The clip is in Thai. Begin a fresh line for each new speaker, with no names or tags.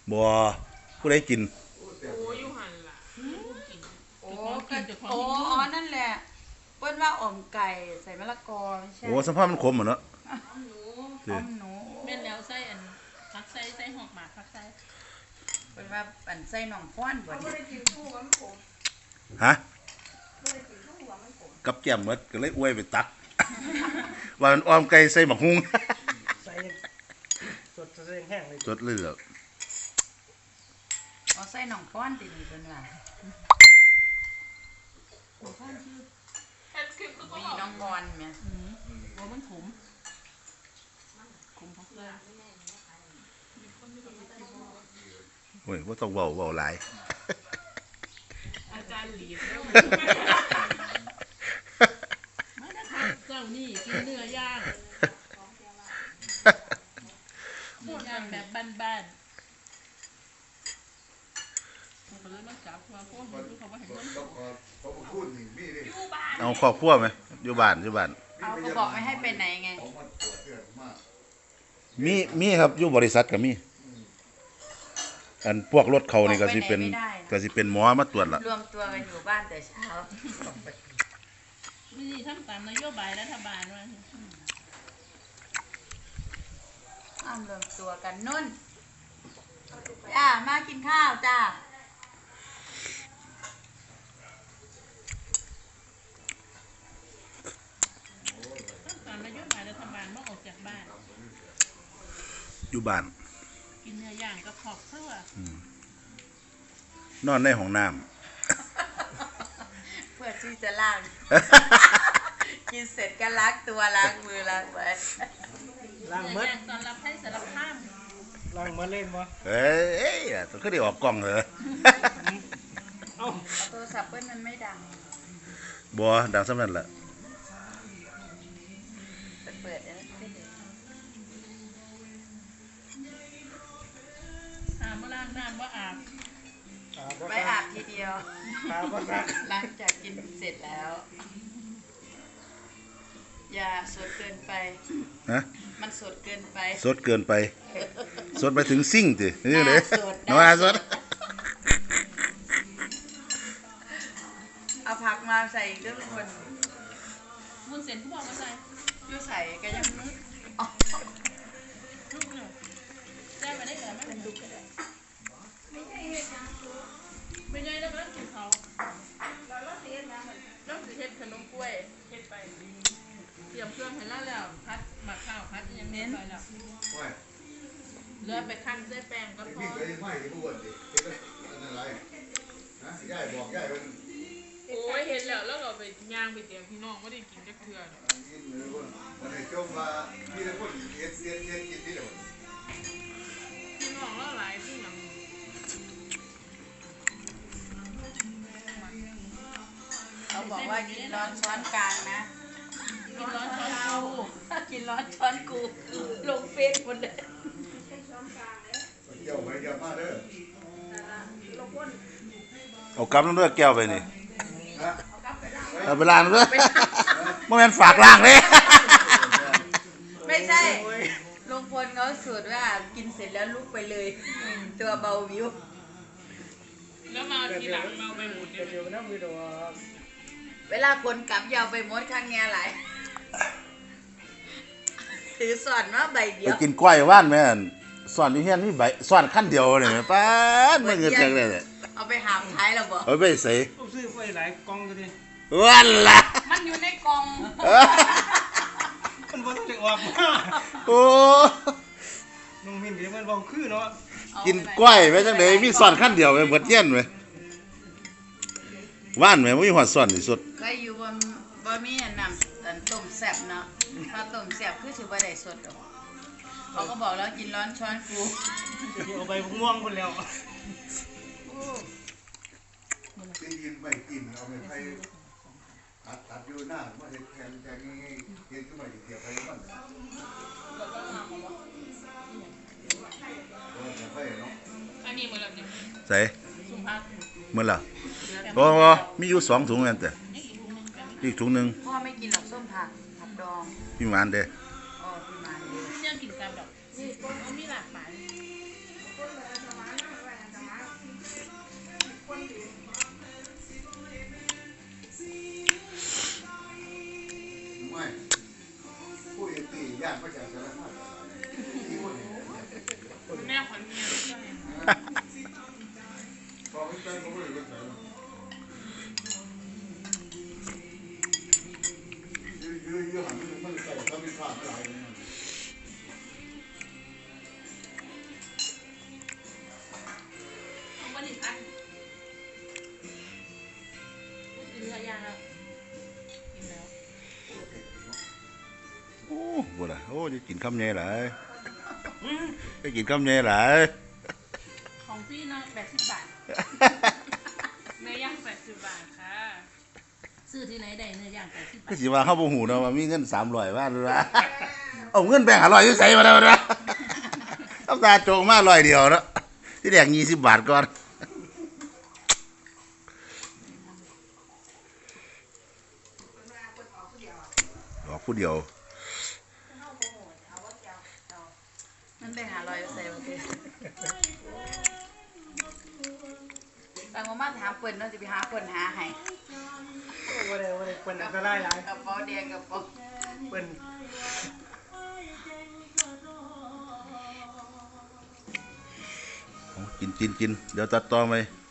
บ่ผู้ใดกิน
โอ้ยุหันล่ะกิน
โอ้โอ้อ๋อนั่นแหละเปิ้นว่าอ่อมไก่ใส่มะละกอไม่ใช่
โอ้สัมภาษณ์มันขมเหรอเนาะ
อ้อมหนู
แม่นแล้วใส่อันผักใส่หอกหมากผักใส่
เปิ้นว่าอันใส่หนองฟ้อนบ่นี่
ฮะกับแก้มหมดก็เลยอวยไปตักว่ามันอ้อมไก่ใส่หมักฮุ้ง
ใส่สดใส่แห้งเลย
สดเลือด
อ๋อใส่หนองฟ้อนตินี่เปิ้นว่ามีน้องบอลแม่
ว่ามันขมผักใส่
โอ้ยบ่ต้องเว้าหลาย
อาจารย์หลีดแล้วมานะคะเจ้านี่กินเนื้อย่างแบบบ้านๆผมเลยมาจับว่าพวกมันเขาว่าเห็นมัน
เอาครอบครัวไหมอยู่บ้าน
เอาก็บอกไม่ให้ไปไหนไง
มีครับอยู่บริษัทก็มีอันพวกรถเขานี่ก็สิเป็นหมอมาตรวจละ
รวมตัวกันอยู่บ้านแต่เช้า
นี่ทำตามนโยบายรัฐบาลว่
ารวมตัวกันนุ่นจ้ามากินข้าวจ้า
ตามนโยบายรัฐบาลว่าออกจากบ้าน
อยู่บ้าน
กินเนื้อย่างกับขอบเสื้
อนอนในห้องน้
ำเพื่อที่จะล้างกินเสร็จก็ล้างตัวล้างมือล้างไว้
ล้างมือ
ตอนรับให้สารภาพ
ล้างมือเล่นบ่
เอ้ยต้องขึ้นได้ออกกล้องเหรอ
เอา
โทรศัพท์เปิ้ลมันไม่ดัง
บัวดังสำนักละ
เปิดแล้ว
มาล้างน้ำว่าอาบ
ไปอาบทีเดียวหลังจากกินเสร็จแล้วอย่าสดเกินไป
ฮะ
มันสดเกินไป
สดเกินไปสดไปถึงซิ่งสินี่เลยน้
า
สด
เอาผักมาใส่เรื่องคน
วุ้นเส้นที่บอกมาใส่
ยูใส่ก็ยังนึก
ลูกเนี่ยแจ้ไปได้เหรอไม่เป็นลูกก็ได้ไม่ใช่แล้วก็กินเขาแล้วเฮ็ดขนมกล้วยเฮ็ดไปเตรียมเครื่องให้แล้วพัดหมักข้าวพัดยังเน้นไปแล้วเลือไปคั่นด้วยแป้งก็พอโอ้ยเห็นแล้วเราไปย่างไปเตรียมพี่น้องไม่ได้กินจักเทื่อพี่น้องแล้วหลายที่หลัง
เขาบอกว่ากินร้อนช้อนกลางนะ
กินร้อนช้อนกู
กินร้อนช้อนกูลงเฟซหมดเลย
เอากำลังเลือกแก้วไปนี่เอาไปล้างด้วยไม่งั้นฝากล้างเลย
ไม่ใช่ลุงพลเขาสูตรว่ากินเสร็จแล้วลุกไปเลยตัวเบาวิว
แล้วมาทีหลังมาไปหมดเ
ดี๋ยวนะวิดีโอ
เวลาคนกลับยาวไปมดข้างเงี้ยไหลถือสอนว่าใบเดียว
ไปกินกล้วยว่านแม่สอนนี่เฮียนนี่ใบสอนขั้นเดียวเลยป้าไม่เงินจังเลย
เอาไปหามท้ายแล้วบ่
เอาไปใส่
ซื้อไปหลายกล่องก็ดี
วันละ
มันอยู่ในกล่อง
มันบ่ต้องได้ออกมา
โอ้
น้องมินเดี๋ยวมันบ่คือเนาะ
กินกล้วยไว้จังได๋มีสอนขั้นเดียวไปหมดเย็นเว้ยว่านแม่บ่มีหอดสอนที่สุด
เคยอยู่บ่มีน้ำต้มแซ่บเนาะถ้าต้มแซ่บคือสิบ่ได้สดหรอกเขาก็บอกแล้วกินร้อนช้อนกู
เอาไปม่วงคนแล้ว
ได้ยินไม่กินเอาไปให้ตัดอยู่หน้าว่าเห็นแทงง่ายๆเห็นขึ้นมาอยู่เกี่ยวไปมัน
อันนี้มือละเนี่ย
ใส่มือละโอ้มีอยู่2ถุงนั่นแต่อีกถุงนึง
พ่อไม่กินหรอกส้มผักดอง
พี่มานเด้
อ๋อพี่มานเด้
เนี่ยกินกับดอกมีหลากหลาย
ไม่ผู้เอกตีญาติมาจากสารคามที่คนนี้
แม่ขวัญเมีย
พอไม่เป็นเขาไม่ได้เป็นสารยื้อหันมันใส่เขาเป็นข้าวอะไรเนี่ย
เอาวันนี้พัดกินเนื้อย่างแล้วกินแล้ว
โอ้บ่ล่ะโอ้จะกินคำใหญ่หลายจะกินคำใหญ่หลาย
ของพี่เนาะ80 บาท เนื้อย่าง80 บาทค่ะ ซื้อที่ไหนได้เนื้อย่าง80 บา
ก็
ท
สิว่าเฮาบ่ฮู้เนาะว่ามีเงิน300บาทหรือว่าเอาเงินแบ่ง500อยู่ไสมาแล้วนะเอาตาโจงมา100เดียวเนาะที่แรก20 บาทก่อนออกผู้เดียว
มันได้หาลอยใส่บ่ติบางมาถามเปิ้นเนาะสิไปหาเปิ้นหาให้
ว่าได้เปิ้นอันตรายหลาย
กระเป๋าแดงกระเป๋า
เปิ้น
เอากินเดี๋ยวตัดต่อไป